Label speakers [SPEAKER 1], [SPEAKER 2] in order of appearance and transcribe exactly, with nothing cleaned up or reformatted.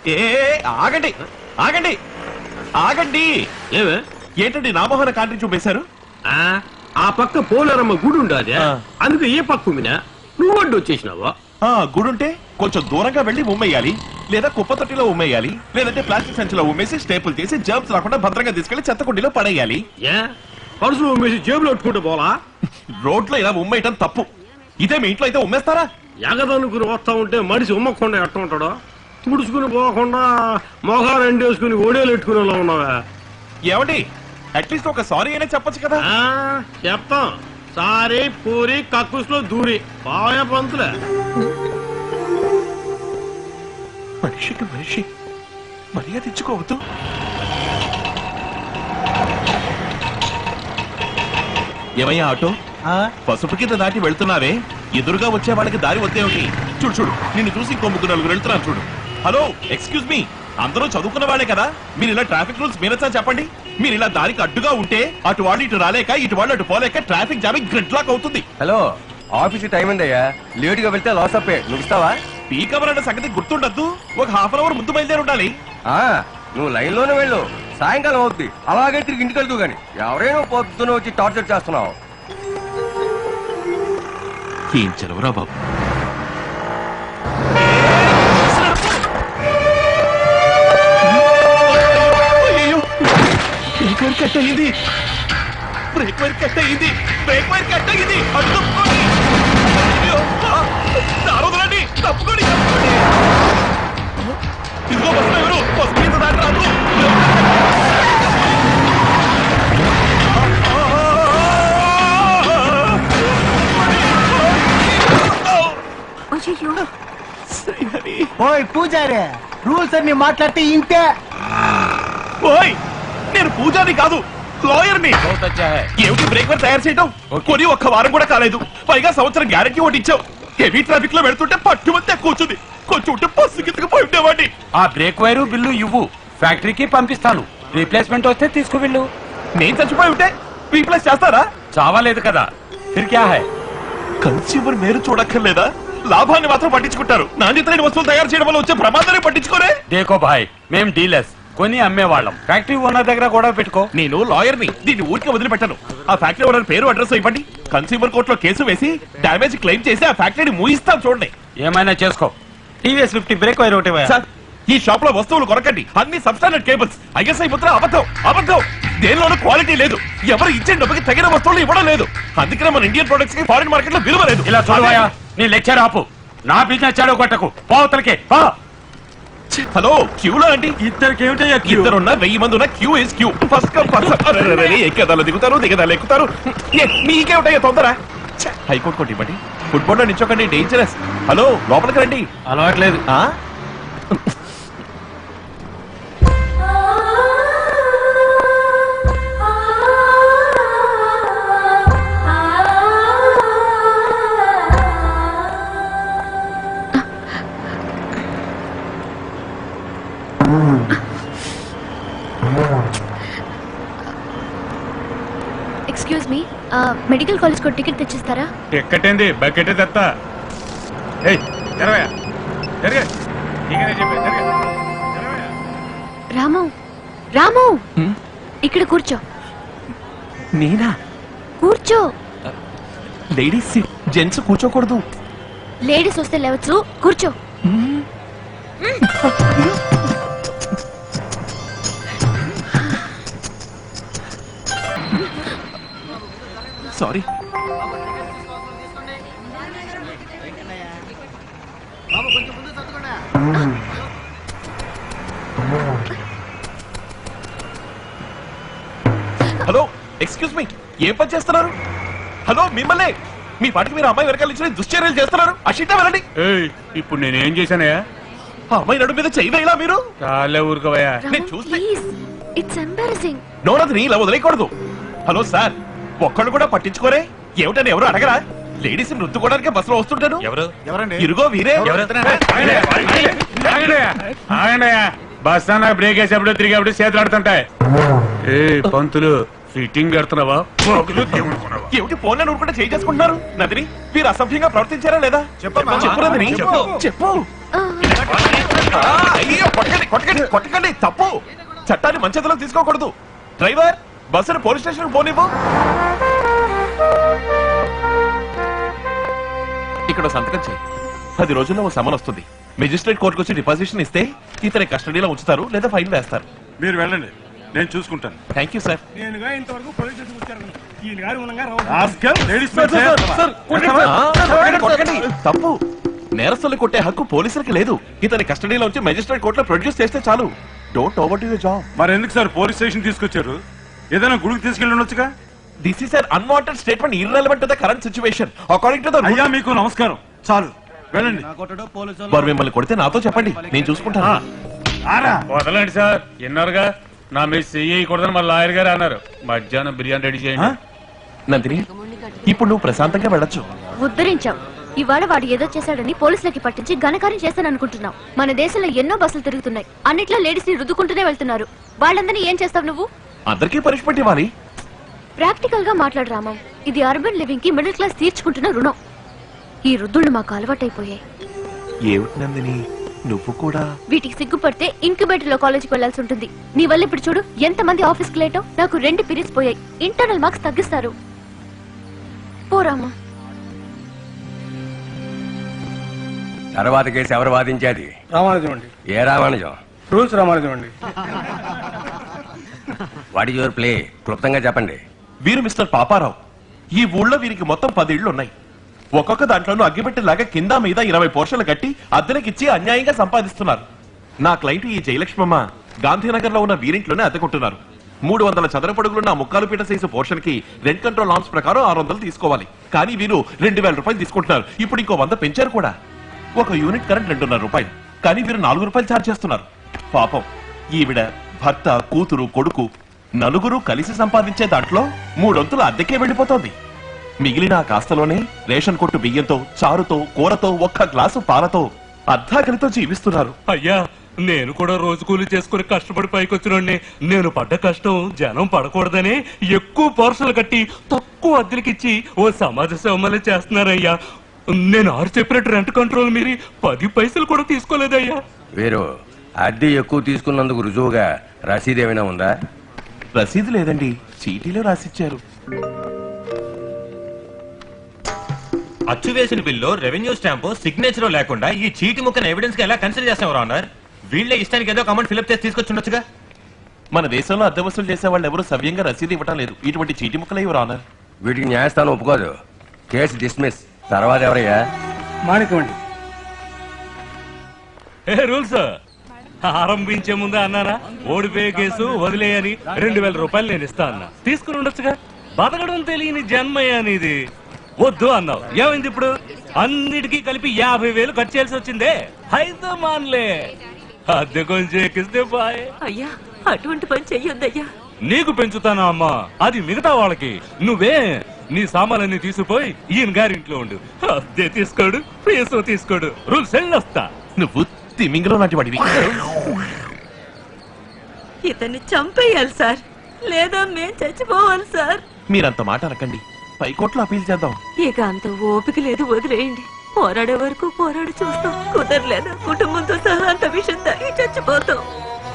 [SPEAKER 1] ఏ ఆగండి ఆగండి ఆగండి.
[SPEAKER 2] ఏమే
[SPEAKER 1] ఏంటండి నామోహన కాంట్రీ చూపేశారు?
[SPEAKER 2] ఆ పక్క పోలేరమ్మ గుడి ఉండాలి, అందుకే ఏ పక్క ఉమ్మినా నువ్వు అడ్డు వచ్చేసినావా?
[SPEAKER 1] గుడుంటే కొంచెం దూరంగా వెళ్లి ఉమ్మేయాలి, లేదా కుప్ప తొట్టిలో ఉమ్మేయాలి, లేదంటే ప్లాస్టిక్ సంచిలో ఉమ్మేసి స్టేపుల్ చేసి జర్మ్స్ రాకుండా భద్రంగా తీసుకెళ్లి చెత్తకుండీలో పడేయాలి.
[SPEAKER 2] ఏ పరుసులో ఉమ్మేసి జేబులో పెట్టుకుంటూ పోలా?
[SPEAKER 1] రోడ్లో ఇలా ఉమ్మేయటం తప్పు. ఇదే మీ ఇంట్లో అయితే ఉమ్మేస్తారా?
[SPEAKER 2] ఎగదనుకుని వస్తా ఉంటే మనిషి ఉమ్మకుండా ఎట్ట ఉంటాడో తుడుచుకుని పోకుండా మొహాలు ఎండేసుకుని ఓడేలు ఎట్టుకునేలా ఉన్నావా?
[SPEAKER 1] ఏమండి అట్లీస్ట్ ఒక సారీ అయినా చెప్పొచ్చు కదా.
[SPEAKER 2] చెప్తాం. సారీ పూరి కక్కుస్లో దూరి పాయ పంతులే.
[SPEAKER 1] మనిషికి మనిషి మర్యాద ఇచ్చుకోవద్దు. ఏమయ్యా ఆటో, పసుపు కింద దాటి వెళ్తున్నావే, ఎదురుగా వచ్చే వాళ్ళకి దారి వద్దేమిటి? చూడు చూడు, నిన్ను చూసి ఇంకో ముగ్గురు నలుగురు వెళ్తున్నారు చూడు. హలో ఎక్స్క్యూజ్ మీ, అందరూ చదువుకున్న వాళ్ళే కదా, మీరు ఇలా ట్రాఫిక్ రూల్స్ మీరచ్చా చెప్పండి. మీరు ఇలా దారికి అడ్డుగా ఉంటే అటు వాళ్ళు ఇటు రాలేక, ఇటు వాళ్ళు అటు పోలేక ట్రాఫిక్ జామింగ్ గ్రిడ్ లాక్ అవుతుంది.
[SPEAKER 3] హలో ఆఫీస్ టైం ఉందయ్యా, లేట్ గా వెళ్తే లాస్ అప్పే. నువ్వు ఇస్తావా?
[SPEAKER 1] పీక్ అవర్ అన్న సంగతి గుర్తుండద్దు. ఒక హాఫ్ అన్ అవర్ ముందు బయలుదేరి ఉండాలి.
[SPEAKER 3] నువ్వు లైన్ లోనే వెళ్ళు, సాయంకాలం అవుద్ది. అలాగే తిరిగి ఇంటికి వెళ్తూ గాని ఎవరైనా పొద్దున వచ్చి టార్చర్ చేస్తున్నావు.
[SPEAKER 1] ఏం చెలవరా బాబు. బ్రేక్ వైర్ కట్ అయ్యింది, బ్రేక్ వైర్ కట్ అయ్యింది, బ్రేక్ వైర్ కట్ అయ్యింది. తప్పుకోండి తప్పుకోండి తప్పుకోండి. ఇదిగో బస్సు ఎవరు బస్సు మీద దాటి రాదు.
[SPEAKER 4] ఓయ్ పూజారి, రూల్స్ అన్ని మాట్లాడితే ఇంతే.
[SPEAKER 1] ఓయ్ నేను పూజారి కాదు, లాయర్ ని. ఏమిటి బ్రేక్ వైర్ తయారు చేయడం? కొని ఒక్క వారం కూడా కాలేదు, పైగా సంవత్సరం గ్యారెంటీ ఒకటి ఇచ్చావు. హెవీ ట్రాఫిక్ లో వెళ్తుంటే పట్టుమంతే కూర్చుంది, కొంచెం ఉంటే బస్సు కిందకి పోయి ఉండేవాడిని.
[SPEAKER 5] ఆ బ్రేక్ వైరు బిల్లు ఇవ్వు, ఫ్యాక్టరీకి పంపిస్తాను. రీప్లేస్మెంట్ వస్తే తీసుకువెళ్ళు.
[SPEAKER 1] నేను చచ్చిపోయి ఉంటే రీప్లేస్ చేస్తారా?
[SPEAKER 5] చావాలేదు కదా, ఫిర్ క్యా హై?
[SPEAKER 1] కన్స్యూమర్ మేరు చూడక్కర్లేదా? లాభాన్ని మాత్రం పట్టించుకుంటారు, నాణ్యత లేని వస్తువులు తయారు చేయడం వల్ల వచ్చే ప్రమాదాన్ని పట్టించుకోరే.
[SPEAKER 5] దేకో భాయ్, మేం డీలర్స్, కొని అమ్మేవాళ్ళం. ఫ్యాక్టరీ ఓనర్ దగ్గర కూడా పెట్టుకో.
[SPEAKER 1] నేను లాయర్ ని, దీన్ని ఊరికి వదిలిపెట్టాను. ఆ ఫ్యాక్టరీ ఓనర్ పేరు అడ్రస్ ఇవ్వండి, కన్స్యూమర్ కోర్టులో కేసు వేసి డామేజ్ క్లెయిమ్ చేసి ఆ ఫ్యాక్టరీని మూయిస్తాం చూడండి.
[SPEAKER 5] ఏమైనా చేసుకో. టీవీఎస్ ఫిఫ్టీ బ్రేక్ వైర్ ఒకటి.
[SPEAKER 1] సార్ ఈ షాప్ లో వస్తువులు కొనకండి, అన్ని సబ్స్టాండర్డ్ కేబుల్స్. ఐఎస్ఐ ముద్ర అబద్ధం అబద్ధం. దేనిలోనూ క్వాలిటీ లేదు, ఎవరు ఇచ్చే డబ్బుకి తగిన వస్తువులు ఇవ్వడం లేదు. అందుకనే మన ఇండియన్ ప్రొడక్ట్స్ కి ఫారిన్ మార్కెట్ లో విలువ లేదు.
[SPEAKER 5] ఇలా చూడవా, నీ లెక్చర్ ఆపు. నా బిజినెస్ చాడో కొట్టకు, పోతలకే.
[SPEAKER 1] హలో క్యూలో అండి.
[SPEAKER 5] ఇద్దరికి ఏమిటయ్యా?
[SPEAKER 1] ఇద్దరున్నా వెయ్యి మంది ఉన్న queue is queue. First come first ఎక్కేదాలు దిగుతారు, దిగదాలు ఎక్కుతారు. మీకేమిటయ్యా తొందర? హైకోర్టు కోటి ఇవ్వండి, ఫుట్బాల్ లో నిచ్చోకండి, డేంజరస్. హలో లోపలికి రండి.
[SPEAKER 5] అలవాట్లేదు.
[SPEAKER 6] ఎక్స్క్యూజ్ మీ, మెడికల్ కాలేజ్ కు టికెట్ తెచ్చిస్తారా?
[SPEAKER 5] టికెట్ ఏంది, బకెట్ తెస్తా.
[SPEAKER 6] రాము రాము ఇక్కడ కూర్చో.
[SPEAKER 1] నేనా?
[SPEAKER 6] కూర్చో.
[SPEAKER 1] లేడీస్ సీట్, జెంట్స్ కూర్చోకూడదు.
[SPEAKER 6] లేడీస్ వస్తే లేవచ్చు, కూర్చో.
[SPEAKER 1] సారీ. హలో ఎక్స్క్యూజ్ మీ, ఏం పని చేస్తున్నారు? హలో మిమ్మల్ని, మీ పాటికి మీరు అమ్మాయి వెనకాల ఇచ్చిన దుశ్చర్యలు చేస్తున్నారు. అషిట్టా వెళ్ళండి.
[SPEAKER 5] ఇప్పుడు నేనేం చేశానయ్యా?
[SPEAKER 1] ఆ అమ్మాయి నడు మీద చేయవేలా మీరు?
[SPEAKER 5] చాలా ఊరుకోవయ్యా,
[SPEAKER 1] నేను చూస్తే.
[SPEAKER 6] It's embarrassing.
[SPEAKER 1] నోనది ఇలా వదిలేయకూడదు. హలో సార్, ఒక్కళ్ళు కూడా పట్టించుకోరే? ఏమిటని ఎవరు అడగరా? లేడీస్ రుద్దుకోవడానికి బస్సులో వస్తుంటాను. ఇరుగో వీరే.
[SPEAKER 5] బస్ అన్న బ్రేక్ వేసేప్పుడు తిరిగేప్పుడు చేతులు ఆడుతుంటాయి. ఏ పంతులు, ఫిట్టింగ్ కడుతున్నావా?
[SPEAKER 1] ఏమిటి ఫోన్ లో నూరుకుంటే చేయి చేసుకుంటున్నారు? నదిని మీరు అసభ్యంగా ప్రవర్తించారా లేదా? చెప్పు చెప్పు. అయ్యో కొట్టకండి కొట్టకండి కొట్టకండి తప్పు. చట్టాన్ని మంచేతలో తీసుకోకూడదు. డ్రైవర్ బస్సును పోలీస్ స్టేషన్ పోనివ్వు. ఇక్కడ సంతకం చేయి. పది రోజుల్లో ఓ సమన్ వస్తుంది. మెజిస్ట్రేట్ కోర్టుకు వచ్చి డిపాజిషన్ ఇస్తే ఇతని కస్టడీలో ఉంచుతారు లేదా ఫైన్ వేస్తారు.
[SPEAKER 5] మీరు వెళ్ళండి, నేను చూసుకుంటాను.
[SPEAKER 1] Thank you sir.
[SPEAKER 2] నేనుగా ఇంతవరకు పోలీస్ స్టేషన్ వచ్చారు ఈయన గారు ఉండగా
[SPEAKER 5] రాస్కల్, లేడీస్ మెన్
[SPEAKER 1] ఆ,
[SPEAKER 5] చేస్తావా?
[SPEAKER 1] కొట్టకండి, కొట్టకండి. తప్పు. నేరస్తులు కొట్టే హక్కు పోలీసులకి లేదు. ఇతని కస్టడీలో ఉంచి మెజిస్ట్రేట్ కోర్టులో ప్రొడ్యూస్ చేస్తే చాలు. Don't over to your job.
[SPEAKER 5] మరి ఎందుకు సార్ పోలీస్ స్టేషన్ తీసుకొచ్చారు? ఏదైనా గుడికి తీసుకెళ్ళి ఉండొచ్చుగా.
[SPEAKER 1] This is an unwanted statement irrelevant to the current situation according to the
[SPEAKER 5] అయ్యా మీకు నమస్కారం, చాలు వెళ్ళండి.
[SPEAKER 1] వారు మిమ్మల్ని కొడితే నాతో చెప్పండి, నేను చూసుకుంటాను.
[SPEAKER 5] ఆరా
[SPEAKER 7] వదలండి సార్, విన్నారుగా నా మీద చెయ్యకూడదని మా లాయర్ గారు అన్నారు. మధ్యాహ్నం బిర్యానీ రెడీ చేయండి.
[SPEAKER 1] నందిని, ఇప్పుడు నువ్వు ప్రశాంతంగా వెళ్ళొచ్చు.
[SPEAKER 6] ఉద్ధరించాం. ఇవాళ వాడు ఏదో చేశాడని పోలీసులకి పట్టించి ఘనకార్యం చేస్తాననుకుంటున్నాం. మన దేశంలో ఎన్నో బస్సులు తిరుగుతున్నాయి. అన్నిట్లో లేడీస్ ని రుద్దుకుంటూనే వెళ్తున్నారు. వాళ్ళందరినీ ఏం చేస్తావు నువ్వు?
[SPEAKER 1] అందరికీ పనిష్మెంట్ ఇవ్వాలి.
[SPEAKER 6] ప్రాక్టికల్ గా మాట్లాడు రామం. ఇది అర్బన్ లివింగ్ కి మిడిల్ క్లాస్ తీర్చుకుంటున్న రుణం. ఈ రుద్దుళ్ళు మాకు అలవాటైపోయాయి.
[SPEAKER 1] ఏమిటి నందిని, నువ్వు కూడా
[SPEAKER 6] వీటికి సిగ్గుపడితే ఇంక్యుబేటర్ లో కాలేజీకి వెళ్లాల్సి ఉంటుంది. నీ వల్ల ఇప్పుడు చూడు ఎంత మంది ఆఫీస్ కి లేటో. నాకు రెండు పీరియడ్స్ పోయాయి. ఇంటర్నల్ మార్క్స్ తగ్గిస్తారు. పోరామా.
[SPEAKER 3] తర్వాత కేసు ఎవరు వాదించేది?
[SPEAKER 2] రామానుజం అండి.
[SPEAKER 3] ఏ రామానుజం?
[SPEAKER 2] రూల్స్ రామానుజం అండి.
[SPEAKER 3] What is your play? క్లుప్తంగా చెప్పండి.
[SPEAKER 1] వీరు మిస్టర్ పాపారావు. ఈ ఊళ్ళో వీరికి మొత్తం పది ఇళ్లు ఉన్నాయి. ఒక్కొక్క దాంట్లోనూ అగ్గిపెట్టేలాగా కింద మీద ఇరవై పోర్షన్లు కట్టి అద్దెలకిచ్చి అన్యాయంగా సంపాదిస్తున్నారు. నా క్లయింట్ ఈ జయలక్ష్మమ్మ గాంధీనగర్ లో ఉన్న వీరింట్లోనే అద్దెకుంటున్నారు. మూడు వందల చదరపడుగులున్న ముక్కాలు పీట సైజు పోర్షన్ కి రెంట్ కంట్రోల్ నామ్స్ ప్రకారం ఆరు వందలు తీసుకోవాలి. కానీ వీరు రెండు వేల రూపాయలు తీసుకుంటున్నారు. ఇప్పుడు ఇంకో వంద పెంచారు కూడా. ఒక యూనిట్ కరెంట్ రెండున్నర రూపాయలు, కానీ వీరు నాలుగు రూపాయలు ఛార్జ్ చేస్తున్నారు. పాపం, ఈవిడ భర్త, కూతురు, కొడుకు నలుగురు కలిసి సంపాదించే దాంట్లో మూడొంతులు అద్దెకే వెళ్లిపోతోంది. మిగిలిన ఆ కాస్తలోనే రేషన్ కొట్టు బియ్యంతో, చారుతో, కూరతో, ఒక్క గ్లాసు పాలతో అర్ధాకలితో జీవిస్తున్నారు.
[SPEAKER 8] అయ్యా, నేను కూడా రోజు కూలి చేసుకుని కష్టపడి పైకొచ్చినండి. నేను పడ్డ కష్టం జనం పడకూడదని ఎక్కువ పోర్షన్లు కట్టి తక్కువ అద్దెలకిచ్చి ఓ సమాజ సేవమలే చేస్తున్నారయ్యా. నేను ఆరు చెప్పినట్టు రెంట్ కంట్రోల్ మీరి పది పైసలు కూడా తీసుకోలేదయ్యా.
[SPEAKER 3] వీరు అద్దె ఎక్కువ తీసుకున్నందుకు రుజువుగా రసీదు ఏమైనా ఉందా?
[SPEAKER 1] రసీదు లేదండి, చీటీలో రాసిచ్చారు.
[SPEAKER 9] అచ్చు వేసిన బిల్లు, రెవెన్యూ స్టాంపు, సిగ్నేచర్ లేకుండా ఈ చీటి ముక్కను ఎవిడెన్స్ గా ఎలా కన్సిడర్ చేస్తాం అన్నారు? వీళ్ళే ఇష్టానికి ఏదో కమెంట్ ఫిల్అప్ చేసి తీసుకొచ్చి ఉండొచ్చుగా.
[SPEAKER 1] మన దేశంలో అద్దె వసూలు చేసే వాళ్ళు ఎవరు సవ్యంగా రసీదు ఇవ్వటం లేదు. ఇటువంటి చీటి ముక్కలే ఎవరు ఆనర్.
[SPEAKER 3] వీటికి న్యాయస్థానం ఒప్పుకోదు. Case dismiss. తర్వాత ఎవరయ్యా?
[SPEAKER 2] మాణిక్యం అండి.
[SPEAKER 8] ఏ రూల్స్ ఆరంభించే ముందే అన్నానా ఓడిపోయే కేసు వదిలేయని రెండు వేల రూపాయలు నేను ఇస్తా అన్నా. తీసుకుని ఉండొచ్చుగా. బతకడం తెలియని జన్మయ్య అనేది. వద్దు అన్నావు. ఏమైంది ఇప్పుడు? అన్నిటికీ కలిపి యాభై వేలు ఖర్చు చేయాల్సి వచ్చిందే. అయితే మాన్లే, అద్దె కొంచెం ఎక్కిస్తే బాయ్.
[SPEAKER 10] అయ్యా, అటువంటి పని చెయ్యొద్దయ్యా.
[SPEAKER 8] నీకు పెంచుతానా అమ్మా? అది మిగతా వాళ్ళకి. నువ్వే నీ సామాన్లన్నీ తీసుకుపోయి ఈయన గారింట్లో ఉండు. అద్దె తీసుకోడు, ఫీజు తీసుకోడు. రూల్స్ వెళ్ళొస్తా.
[SPEAKER 1] నువ్వు తిమింగలో నాటి వాడివి.
[SPEAKER 10] ఇతన్ని చంపేయాలి సార్, లేదా మేం చచ్చిపోవాలి సార్.
[SPEAKER 1] మీరంత మాట అనకండి. పైకోట్లో అపీల్ చేద్దాం.
[SPEAKER 10] ఇక అంత ఓపిక లేదు, వదిలేయండి. పోరాడే వరకు పోరాడి చూస్తాం. కుదరలేదా కుటుంబంతో సహా అంత విషయం తాగి చచ్చిపోతాం.